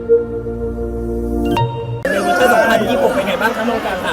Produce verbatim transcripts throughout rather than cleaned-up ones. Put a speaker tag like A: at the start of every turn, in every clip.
A: ในเวอร์ชันสองพันยี่สิบหกเป็นไงบ้างคะน้องการค่ะ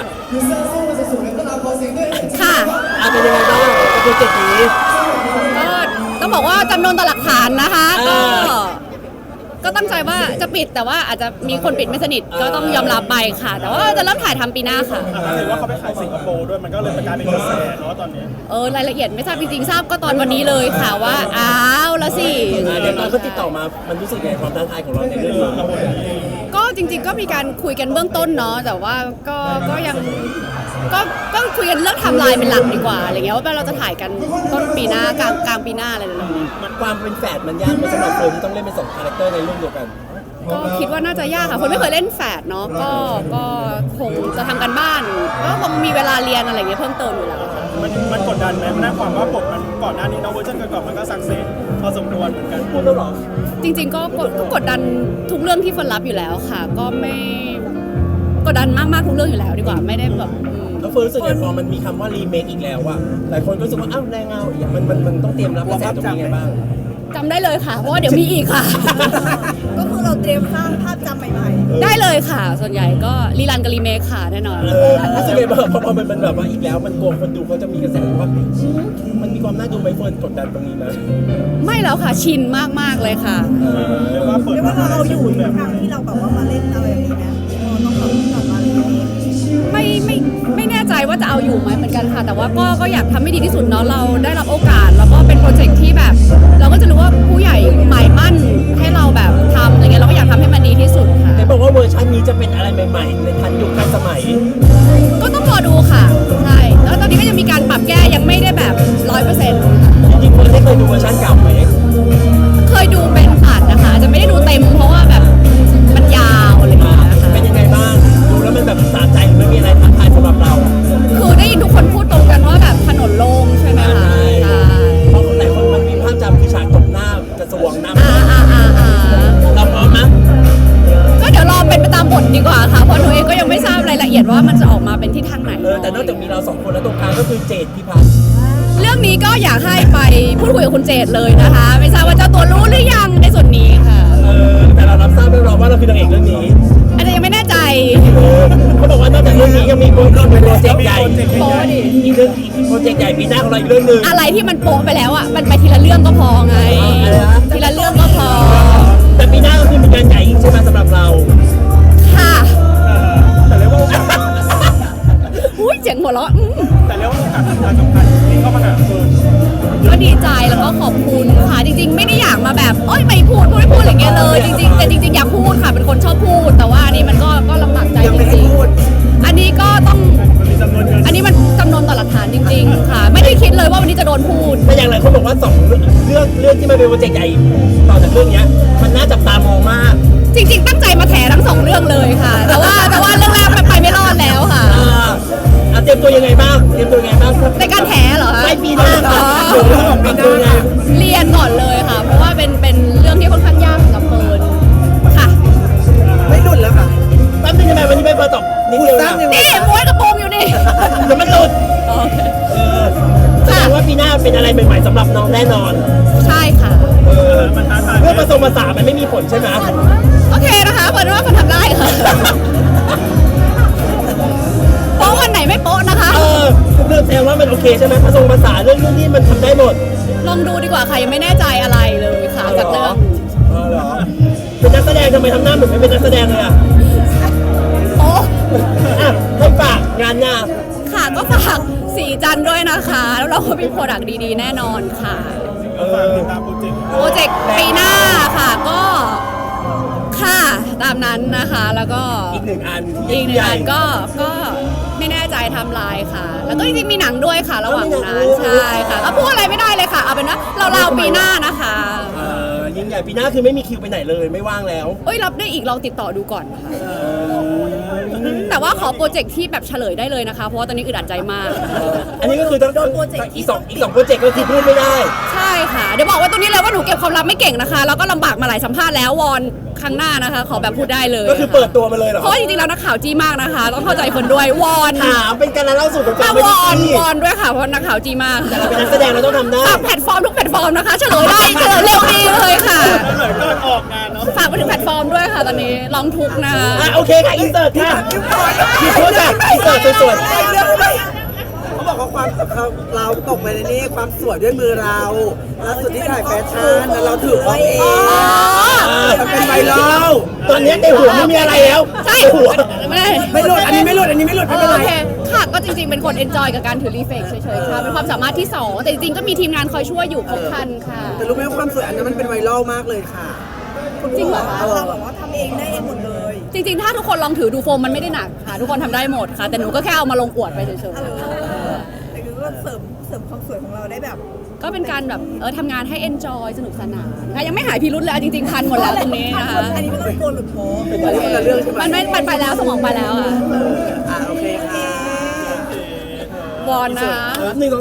B: ค่ะ
A: อ่ะเป็นยังไงบ้างกับโปรเจกต์นี้
B: ก็ต้องบอกว่าจำนวนต่อหลักฐานนะคะก็ก็ตั้งใจว่าจะปิดแต่ว่าอาจจะมีคนปิดไม่สนิทก็ต้องยอมรับไปค่ะ แต่ว่าจะเริ่มถ่ายทำปีหน้าค่ะ
C: เห็นว่าเขาไปขายสิงคโปร์ด้วยมันก็เลยเป็นการเป็นกระแสเนาะตอนนี้
B: เออรายละเอียดไม่ทราบจริงๆทราบก็ตอนวันนี้เลยค่ะว่าอ้าวแล้วสิ
A: เดี๋ยวตอนเขาติดต่อมามันรู้สึกไงความท้าทายของเราในเรื่องนี้
B: ก็จริงๆก็มีการคุยกันเบื้องต้นเนาะแต่ว่าก็ก็ยังก็ก็คุยกันเรื่องไทม์ไลน์เป็นหลักดีกว่าอะไรเงี้ยว่าเราจะถ่ายกันต้นปีหน้ากลางกลางปีหน้าอะไรแบบนี้
A: มันความเป็นแฝดมันยากไหมสำหรับคนที่ต้องเล่นเป็นสองคาแรคเตอร์ในเรื่องเดียวกัน
B: ก็คิดว่าน่าจะยากค่ะคนไม่เคยเล่นแฝดเนาะก็ก็คงจะทำกันบ้านก็คงมีเวลาเรียนอะไรเงี้ยเพิ่มเติมอยู่แล้ว
C: มันมันกดดันไหมมันน่าความว่าบทมันก่อนหน้านี้เนาะเวอร์ชันก่อนๆมันก็สักเซสพอสมควรเหมือนกัน
A: พูดแล้วหรอ
B: จริงๆก็ก็กดดันทุกเรื่องที่เฟิร์นรับอยู่แล้วค่ะก็ไม่กดดันมากๆทุกเรื่องอยู่แล้วดีกว่าไม่ได้แบบ
A: แล้วเฟิร์นรู้สึกไงพอมันมีคำว่ารีเมคอีกแล้วอะหลายคนก็รู้สึกว่าอ้าวแรงเงาอย่างมันมันมันต้องเตรียมรับกระแสตรงนี้ไงบ้าง
B: จำได้เลยค่ะเพราะว่าเดี๋ยวมีอีกค่ะ
D: ก็คือเราเตรียมสร้างภาพจำใหม่
B: ๆได้เลยค่ะส่วนใหญ่ก็รีรันกับรีเมคค่ะแน่นอน
A: รู้สึกไงบ้างพอมันเป็นแบบว่าอีกแล้วมันกลัวคนดูเขาจะมีกระแสว่ามันมีความน่าดูไหมเฟิร์นกดดันตรงนี้ไหม
B: ไม่แล้วค่ะชินมากๆเลยค่ะ
C: เรียกว่าเปิด
D: เรียกว่าเราอยู่ในทางที่เราแบบว่ามาเล่นอะไรแบบนี้นะต้องทำกลับมาเลย
B: ไม่ไม่ไม่แน่ใจว่าจะเอาอยู่ไหมเหมือนกันค่ะแต่ว่าก็ก็อยากทำให้ดีที่สุดเนาะเราได้รับโอกาสแล้วก็เป็นโปรเจกต์ที่แบบเราก็จะรู้ว่าผู้ใหญ่หมายมั่นให้เราแบบทำอะไรเงี้ยเราก็อยากทำให้มันดีที่สุดค่ะ
A: แต่บอกว่าเวอร์ชันนี้จะเป็นอะไรใหม่ๆในทันยุคทันสมัย
B: ก็ต้องรอดูค่ะใช่แล้วตอนนี้ก็ยังมีการปรับแก้ยังไม่ได้แบบร้อยเปอร์เซ็นต์
A: จริงๆเฟิร์นได้เคยดูเวอร์ชันเก่าไหม
B: เคยดูเป็นตัดนะคะจะไม่ได้ดูเต็มเพราะว่าแบบมันยาวอะไรอย่างเงี้ยค่ะ
A: เป็นยังไงบ้างดูแล้วมันแบบสะใจไม่มีอะไรท้าทายสำหรับเรา
B: คือได้ยินทุกคนพูดตรงกันว่าแบบถนนโล่งใช่ไหมคะใช่
A: เพราะหลายคนมันมีภาพจำคือฉากตบหน้ากระทรวงน้ำ
B: อ่าอ่าอ่าอ่า
A: เราพร้อมไหม
B: ก็เดี๋ยวรอเป็นไปตามบทดีกว่าค่ะเพราะหนูเองก็ยังไม่ทราบรายละเอียดว่ามันจะออกมาเป็นที่ทางไหน
A: เออแต่นอกจากมีเราสองคนแล้วตรงกลางก็คือเจดพิพัฒน์
B: เรื่องนี้ก็อยากให้ไปพูดคุยกับคุณเจดเลยนะคะไม่ทราบว่าเจ้าตัวรู้หรือยังในส่วนนี้ค่ะ
A: เออแต่เรารับทราบเรียบร้อยว่าเราคือนางเอกเรื่องนี้
B: อาจจะยังไม่แน่ใจ
A: เขาบอกว่านอกจากเรื่องนี้ยังมีโปรเจกต์ใหญ่
B: โป๊ดิ
A: อีกเรื่องอีกโปรเจกต์ใหญ่ปีหน้าของเราอีกเรื่องนึง
B: อะไรที่มันโป๊ไปแล้วอ่ะมันไปทีละเรื่องก็พอไงทีละเรื่องก็พอ
A: แต่ปีหน้าก็คือมีงานใหญ่อีกใช่ไหมสำหรับเรา
B: ค่ะ
C: แต่เรียกว่า
B: อุ้ยเจ๋งหัวเราะ
C: แต่เรียกว่าโอกาสสำคัญสำคัญที่เข้ามาหาเฟิร์น
B: ก็ดีใจแล้วก็ขอบคุณค่ะจริงๆไม่ได้อยากมาแบบโอ๊ยไม่พูดพูดไม่พูดอะไรเงี้ยเลยจริงๆแต่จริงๆอยากพูดค่ะเป็นคนชอบพูดแต่ว่าอันนี้มันก็ก็ลำบากใจจริงๆอันนี้ก็ต้องอันนี้มันจำนวนต่อหลักฐานจริงๆค่ะไม่ได้คิดเลยว่าวันนี้จะโดนพูด
A: แต่อย่างไรคนบอกว่าสองเรื่องเรื่องที่มันเป็นโปรเจกต์ใหญ่ต่อจากเรื่องนี้มันน่าจับตามองมาก
B: จริงๆตั้งใจมาแถทั้งสองเรื่องเลยค่ะแต่ว่าแต่ว่าเรื่องแรกมันไปไม่รอดแล้วค่ะ
A: อ่าเตรียมตัวยังไงบ้างเตรียมตัวยังไงบ้าง
B: ในการแถเหรอคะ
A: ไม่ปีหน้าค่ะปีหน้า
B: เรียนก่อนเลยค่ะเพราะว่าเป็นเป็นเรื่องที่ค่อนข้างยากสำหรับเฟิร์นค่ะ
D: ไม่หลุดแล้วค่ะ
A: แป๊บนึงทำไมวันนี้ไม่มาตอบนิดเดียวนะ
B: นี่ม้วนกระโปรงอยู่นี่
A: เดี๋ยวมันหลุด
B: โอเค
A: แสดงว่าปีหน้าเป็นอะไรใหม่ๆสำหรับน้องแน่นอน
B: ใช่ค่ะ
A: เออมันท้าทายเรื่องผสมผสานมันไม่มีผลใช่ไหม
B: โอเคนะคะเฟิร์นว่าเฟิร์นทำได้ค่ะโป๊ะวันไหนไม่โป๊ะนะคะ
A: เออเรื่องแสดงว่ามันโอเคใช่ไหมผสมผสานเรื่องนี้มันทำได้หมด
B: ลองดูดีกว่าค่ะยังไม่แน่ใจอะไรเลยค่ะจากเรื่อง
A: อ๋อเหรอเป็นนักแสดงทำไมทำหน้าเหมือนไม่เป็นนักแสดงเลยอ่ะ
B: โอ้
A: อ่ะให้ฝากงานหน้า
B: ค่ะก็ฝากสีจันด้วยนะคะแล้วเราก็มีโปรดักต์ดีๆแน่นอนค่ะ
C: ก็ฝากติดตามโปรเจกต์
B: โปรเจกต์ปีหน้าค่ะก็ค่ะตามนั้นนะคะแล้วก็
A: อีกหนึ่งอัน
B: อีกหนึ่งอันก็ก็ไม่แน่ใจทำลายค่ะแล้วก็จริงๆมีหนังด้วยค่ะระหว่างนั้นใช่ค่ะก็พูดอะไรไม่ได้เลยค่ะเอาเป็นว่าเราเราปีหน้านะคะ
A: เออยิ่งใหญ่ปีหน้าคือไม่มีคิวไปไหนเลยไม่ว่างแล้ว
B: เอ้ยรับได้อีกลองติดต่อดูก่อนค่ะแต่ว่าขอโปรเจกต์ที่แบบเฉลยได้เลยนะคะ เพราะว่าตอนนี้อึดอัดใจมาก
A: อันนี้ก็คือต้องอีกสองอีกสองโปรเจกต์ก็คือพูดไม่ได้
B: ใช่ค่ะ เดี๋ยวบอกว่าตรงนี้เลยว่าหนูเก็บความลับไม่เก่งนะคะ แล้วก็ลำบากมาหลายสัมภาษณ์แล้ววอนครั้งหน้านะคะ ขอแบบพูดได้เลย
A: ก็คือเปิดตัวมาเลยเหรอ
B: เพราะว่าจริงๆแล้วนักข่าวจี้มากนะคะ ต้องเข้าใจคนด้วยวอน
A: ถามเป็นการเล่าสู่กันฟั
B: มาง
A: ไม่
B: ว
A: ได้
B: อน
A: ที่
B: วอนด้วยค่ะ เพราะนักข่าวจี้มาก
A: แต่เราเป็นนักแสดงเราต้องทำได้
B: ฝากแพลตฟอร์มทุกแพลตฟอร์มนะคะ เฉลยได้เฉลยเร็วดีเลยค่ะ
C: เหมือนก่อนออกงานเนาะ
B: ฝากไปถึงแพลตฟอร์มด้วยค่ะตอนนี้ลองทุกนะคะ
A: อ่ะโอเคค่ะอินเสิร์ตค่ะพี่พูดค่ะอินเสิร์ตสวย
E: เขาบอกว่าความเราเราตกไปในนี้ความสวยด้วยมือเราล่าสุดที่ถ่ายแฟชั่นแล้วเราถือของเอง
B: อ๋อ
E: มันเป็นไวรั
A: ๆ
E: ล
A: ตอนนี้ในหัวไม่มีอะไรแล้ว
B: ใช่
A: ในหัว
B: ไม่
E: ไม่หลุดอันนี้ไม่หลุดอันนี้ไม่หลุดไม่เป็น
B: โอ
E: ไร
B: เคค่ะก็จริงๆเป็นคนเอนจอยกับการถือรีเฟกเฉยๆค่ะเป็นความสามารถที่สองแต่จริงๆก็มีทีมงานคอยช่วยอยู่ครบครันค่ะ
E: แต่รู้ไหมว่าความสวยอันนั้นมันเป็นไวรัลมากเลยค่ะ
B: จริงเหรอคะ
D: เราแบบว่าทำเองได้เองหมดเลย
B: จริงๆ ถ้าทุกคนลองถือดูโฟมมันไม่ได้หนักค่ะ ทุกคนทำได้หมดค่ะ แต่หนูก็แค่เอามาลงอวดไปเฉย
D: เออแต่คือก็เสริมเสริมความสวยของเราได้แบบ
B: ๆก็เป็นการแบบเออทำงานให้เอนจอยสนุกสนานค่ะยังไม่หายพิรุธเลยเอาจริงๆทันหมดแล้วตรงนี้นะคะ
D: อันนี้ไม่ต้องโกนหรือโป๊
E: อันนี้คนละเรื่องใช่ไหม
B: มันไม่มันไปแล้วสมองไปแล้วค่ะ
E: อ่าโอเคค่ะ
B: วอนนะคะ
A: หนึ่ง